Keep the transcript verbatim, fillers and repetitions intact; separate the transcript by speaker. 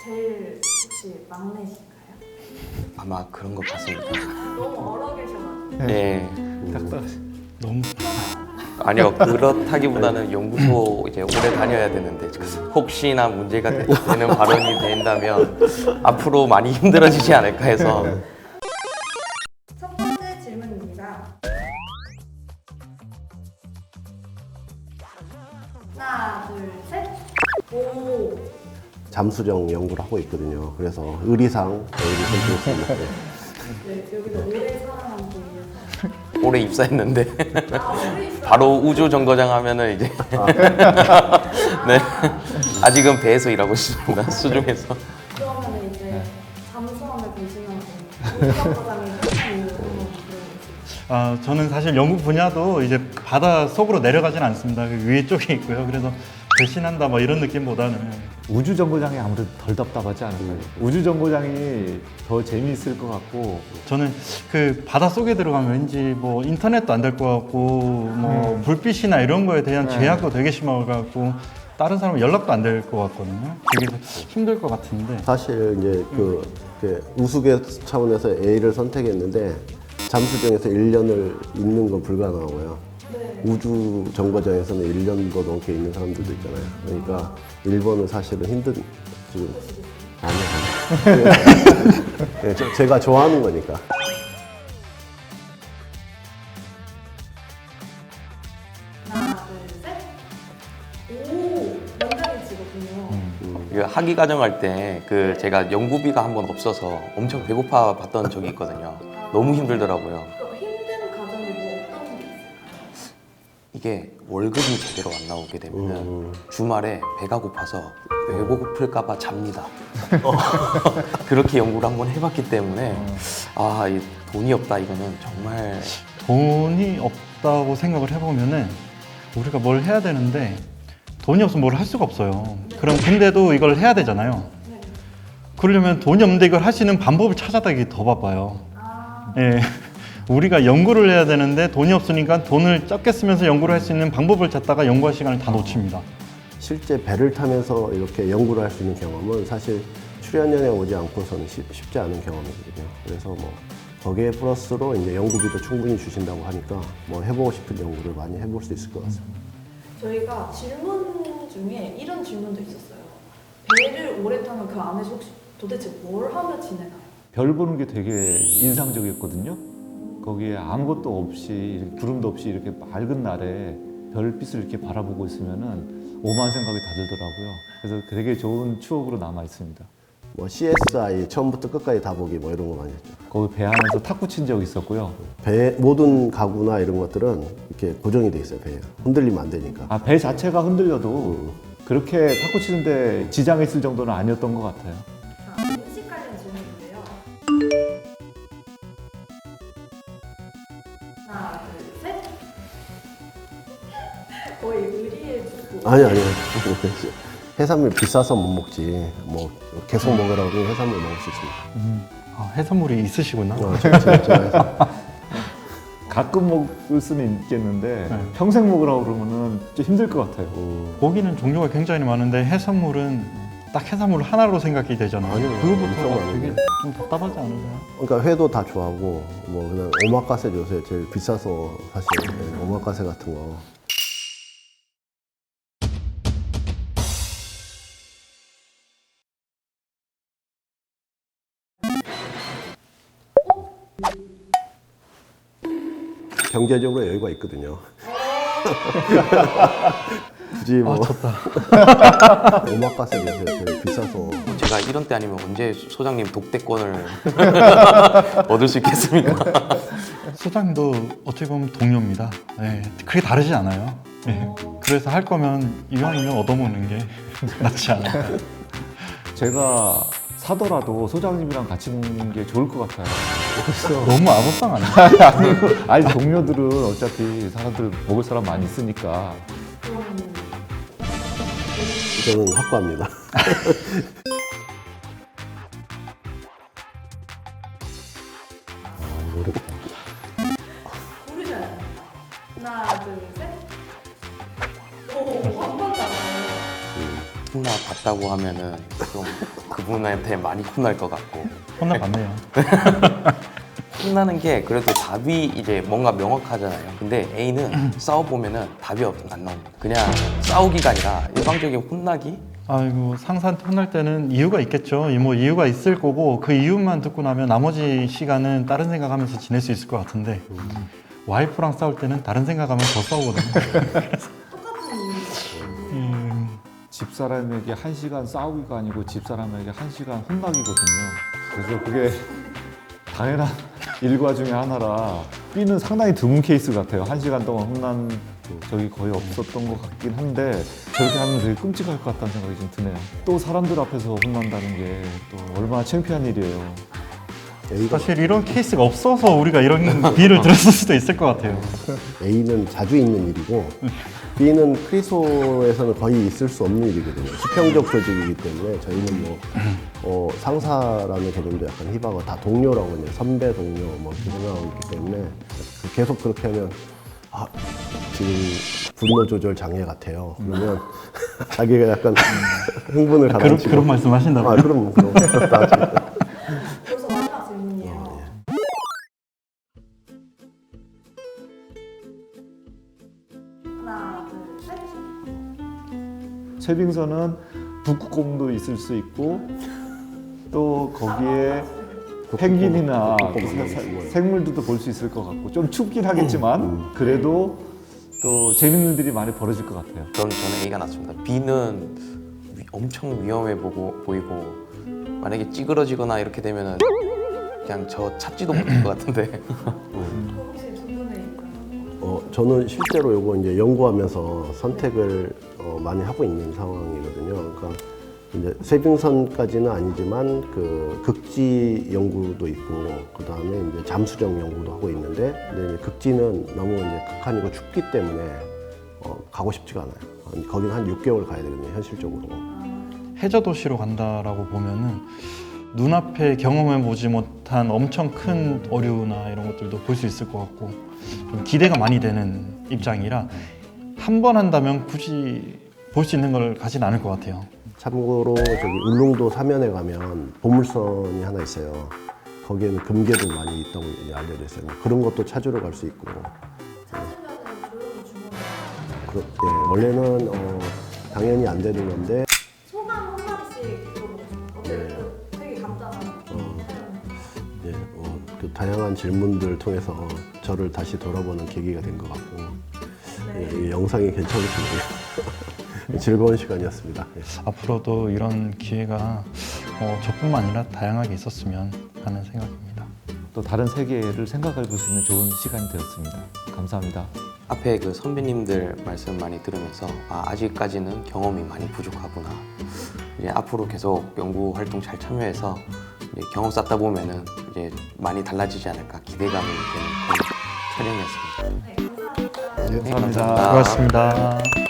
Speaker 1: 제일 혹시 막내신가요?
Speaker 2: 아마 그런 것 같습니다.
Speaker 1: 너무 얼어 계셔가지고.
Speaker 2: 네.
Speaker 3: 너무
Speaker 2: 아니요, 그렇다기보다는 연구소 이제 오래 다녀야 되는데 혹시나 문제가 되- 되는 발언이 된다면 앞으로 많이 힘들어지지 않을까 해서.
Speaker 1: 첫 번째 질문입니다. 하나, 둘, 셋. 오.
Speaker 4: 잠수정 연구를 하고 있거든요. 그래서 의리상 의리 선택했습니다. 네.
Speaker 1: 네, 여기서 오래 살아남기 위해서.
Speaker 2: 올해 입사했는데
Speaker 1: 아, 오래 있어.
Speaker 2: 바로 우주 정거장 하면은 이제 네, 아직은 배에서 일하고 있습니다. 수중에서.
Speaker 1: 그러면 이제 잠수함을 보시면서 우주정거장이 끝난 이유 한번 들어보겠습니다.
Speaker 3: 아, 저는 사실 연구 분야도 이제 바다 속으로 내려가진 않습니다. 그 위에 쪽에 있고요. 그래서 배신한다 뭐 이런 느낌보다는
Speaker 5: 우주 정거장이 아무래도 덜 답답하지 않을까요? 우주 정거장이 더 재미있을 것 같고
Speaker 3: 저는 그 바다 속에 들어가면 왠지 뭐 인터넷도 안 될 것 같고 뭐 불빛이나 이런 거에 대한
Speaker 5: 네.
Speaker 3: 제약도 되게 심할 것 같고 다른 사람은 연락도 안 될 것 같거든요. 되게 힘들 것 같은데
Speaker 4: 사실 이제 그 이렇게 우수계 차원에서 A를 선택했는데 잠수정에서 일 년을 있는 건 불가능하고요.
Speaker 1: 네.
Speaker 4: 우주 정거장에서는 일 년도 넘게 있는 사람들도 있잖아요. 그러니까 일 번은 사실은 힘든 지금 아니요. 네, 저- 제가 좋아하는 거니까.
Speaker 1: 하나, 둘, 셋. 오, 원장이시거든요.
Speaker 2: 그 학위 과정할 때 그 제가 연구비가 한 번 없어서 엄청 배고파 봤던 적이 있거든요. 너무 힘들더라고요.
Speaker 1: 그 힘든 과정이 뭐 어떤 게 있어요?
Speaker 2: 이게 월급이 제대로 안 나오게 되면
Speaker 4: 음.
Speaker 2: 주말에 배가 고파서 왜 고플까봐 잡니다. 그렇게 연구를 한번 해봤기 때문에 아, 이 돈이 없다 이거는 정말
Speaker 3: 돈이 없다고 생각을 해보면은 우리가 뭘 해야 되는데 돈이 없으면 뭘 할 수가 없어요. 그럼 근데도 이걸 해야 되잖아요.
Speaker 1: 네.
Speaker 3: 그러려면 돈이 없는데 이걸 할 수 있는 방법을 찾아다기 더 바빠요.
Speaker 1: 아,
Speaker 3: 예. 우리가 연구를 해야 되는데 돈이 없으니까 돈을 적게 쓰면서 연구를 할 수 있는 방법을 찾다가 연구할 시간을 다 놓칩니다.
Speaker 4: 실제 배를 타면서 이렇게 연구를 할 수 있는 경험은 사실 출연연에 오지 않고서는 쉽, 쉽지 않은 경험이거든요. 그래서 뭐 거기에 플러스로 이제 연구비도 충분히 주신다고 하니까 뭐 해보고 싶은 연구를 많이 해볼 수 있을 것 같습니다.
Speaker 1: 저희가 질문 중에 이런 질문도 있었어요. 배를 오래 타면 그 안에서 혹시 도대체 뭘 하며 지내나요?
Speaker 5: 별 보는 게 되게 인상적이었거든요. 거기에 아무것도 없이 이렇게 구름도 없이 이렇게 맑은 날에 별빛을 이렇게 바라보고 있으면은 오만 생각이 다 들더라고요. 그래서 되게 좋은 추억으로 남아 있습니다.
Speaker 4: 뭐 씨에스아이 처음부터 끝까지 다 보기 뭐 이런 거 많이 했죠.
Speaker 5: 거기 배 안에서 탁구 친 적 있었고요.
Speaker 4: 배 모든 가구나 이런 것들은 이렇게 고정이 돼 있어요. 배에 흔들리면 안 되니까.
Speaker 5: 아, 배 자체가 흔들려도 그렇게 탁구 치는데 지장이 있을 정도는 아니었던 것 같아요.
Speaker 1: 자, 음식 관련 질문인데요. 하나, 둘, 셋. 거의 의리의 주고.
Speaker 4: 아니 아니. 해산물 비싸서 못 먹지. 뭐 계속 먹으라고 그러면 해산물 먹을 수 있습니다.
Speaker 3: 아, 해산물이 있으시구나.
Speaker 4: 어, 제- 제- 제가
Speaker 5: 가끔 먹을 수는 있겠는데
Speaker 3: 네.
Speaker 5: 평생 먹으라고 그러면은 좀 힘들 것 같아요.
Speaker 3: 고기는 종류가 굉장히 많은데 해산물은 딱 해산물 하나로 생각이 되잖아요.
Speaker 4: 아니요, 엄청
Speaker 3: 그거부터가
Speaker 4: 많은데.
Speaker 3: 되게 좀 답답하지 않으세요?
Speaker 4: 그러니까 회도 다 좋아하고 뭐 그냥 오마카세 요새 제일 비싸서 사실 네, 오마카세 같은 거. 경제적으로 여유가 있거든요. 굳이 뭐 오마카세 요새 제일 비싸서
Speaker 2: 제가 이런 때 아니면 언제 소장님 독대권을 얻을 수 있겠습니까?
Speaker 3: 소장님도 어떻게 보면 동료입니다. 네, 크게 다르지 않아요. 네, 그래서 할 거면 이왕이면 얻어먹는 게 낫지 않을까.
Speaker 5: 제가 사더라도 소장님이랑 같이 먹는 게 좋을 것 같아요. 그래서
Speaker 3: 너무 아부상 아니야?
Speaker 5: 아니, 아니 동료들은 어차피 사람들 먹을 사람 많이 있으니까
Speaker 1: 그러면
Speaker 4: 저는 확고합니다.
Speaker 1: 고르셔야 됩니다. 하나, 둘, 셋. 오, 한 번 남아요.
Speaker 2: 혼나봤다고 하면은 좀 그분한테 많이 혼날 것 같고
Speaker 3: 혼나봤네요.
Speaker 2: 혼나는 게 그래도 답이 이제 뭔가 명확하잖아요. 근데 A는 싸워보면은 답이 없- 안 나옵니다. 그냥 싸우기가 아니라 일방적인 혼나기?
Speaker 3: 아이고 상사한테 혼날 때는 이유가 있겠죠. 이 뭐 이유가 있을 거고 그 이유만 듣고 나면 나머지 시간은 다른 생각하면서 지낼 수 있을 것 같은데 와이프랑 싸울 때는 다른 생각하면 더 싸우거든요.
Speaker 1: 똑같은 이유.
Speaker 3: 음,
Speaker 5: 집사람에게 한 시간 싸우기가 아니고 집사람에게 한 시간 혼나기거든요. 그래서 그게 당연한 일과 중에 하나라 B는 상당히 드문 케이스 같아요. 한 시간 동안 혼난 적이 거의 없었던 것 같긴 한데 저렇게 하면 되게 끔찍할 것 같다는 생각이 좀 드네요. 또 사람들 앞에서 혼난다는 게 또 얼마나 창피한 일이에요.
Speaker 4: A가,
Speaker 3: 사실 이런 케이스가 없어서 우리가 이런 비를 들었을 수도 있을 것 같아요.
Speaker 4: A는 자주 있는 일이고 B는 크리소에서는 거의 있을 수 없는 일이거든요. 수평적 조직이기 때문에 저희는 뭐 어, 상사라는 개념도 약간 희박하고 다 동료라고 이제 선배 동료 뭐 이렇게 생각하고 있기 때문에 계속 그렇게 하면 아 지금 분노 조절 장애 같아요. 그러면 자기가 약간 흥분을
Speaker 3: 그런,
Speaker 4: 가라앉히고
Speaker 3: 그런 말씀 하신다고요?
Speaker 4: 아 그럼 그럼 나중에.
Speaker 1: 그래서 마지막 질문이에요. 하나, 둘, 셋.
Speaker 5: 최빙선은 북극곰도 있을 수 있고 또 거기에 펭귄이나
Speaker 4: 북극곰도
Speaker 5: 사-
Speaker 4: 있고.
Speaker 5: 생물들도 볼 수 있을 것 같고 좀 춥긴 하겠지만 그래도 또 재밌는 일이 많이 벌어질 것 같아요.
Speaker 2: 그럼 저는 A가 낫습니다. B는 위- 엄청 위험해 보고, 보이고 만약에 찌그러지거나 이렇게 되면은 그냥 저 찾지도 못할 것 같은데
Speaker 1: 혹시 두 분의 의견은?
Speaker 4: 어, 저는 실제로 요거 이제 연구하면서 선택을 어, 많이 하고 있는 상황이거든요. 그러니까 이제 세빙선까지는 아니지만 그 극지 연구도 있고 그 다음에 이제 잠수정 연구도 하고 있는데 근데 이제 극지는 너무 이제 극한이고 춥기 때문에 어, 가고 싶지가 않아요. 거기는 한 육 개월 가야 되거든요, 현실적으로.
Speaker 3: 해저 도시로 간다라고 보면은 눈앞에 경험해 보지 못한 엄청 큰 어류나 이런 것들도 볼 수 있을 것 같고 좀 기대가 많이 되는 입장이라 한 번 한다면 굳이 볼 수 있는 걸 가진 않을 것 같아요.
Speaker 4: 참고로 저기 울릉도 사면에 가면 보물선이 하나 있어요. 거기에는 금괴도 많이 있다고 이제 알려져 있어요. 그런 것도 찾으러 갈 수 있고.
Speaker 1: 찾으면은 조용히 주문해요.
Speaker 4: 그렇, 예, 원래는 어, 당연히 안 되는 건데
Speaker 1: 소감 한마디씩 들어보고 싶어요. 어때요? 되게 간단한.
Speaker 4: 이제 어, 그 다양한 질문들을 통해서 저를 다시 돌아보는 계기가 된 것 같고
Speaker 1: 네.
Speaker 4: 예, 이 영상이 괜찮으시네요. 즐거운 시간이었습니다. 예.
Speaker 3: 앞으로도 이런 기회가 어, 저뿐만 아니라 다양하게 있었으면 하는 생각입니다.
Speaker 5: 또 다른 세계를 생각해 볼 수 있는 좋은 시간이 되었습니다. 감사합니다.
Speaker 2: 앞에 그 선배님들 말씀 많이 들으면서 아, 아직까지는 경험이 많이 부족하구나. 이제 앞으로 계속 연구 활동 잘 참여해서 이제 경험 쌓다 보면은 이제 많이 달라지지 않을까 기대감이 되는 그런 촬영이었습니다.
Speaker 1: 네, 감사합니다.
Speaker 2: 네,
Speaker 5: 감사합니다.
Speaker 3: 수고하셨습니다.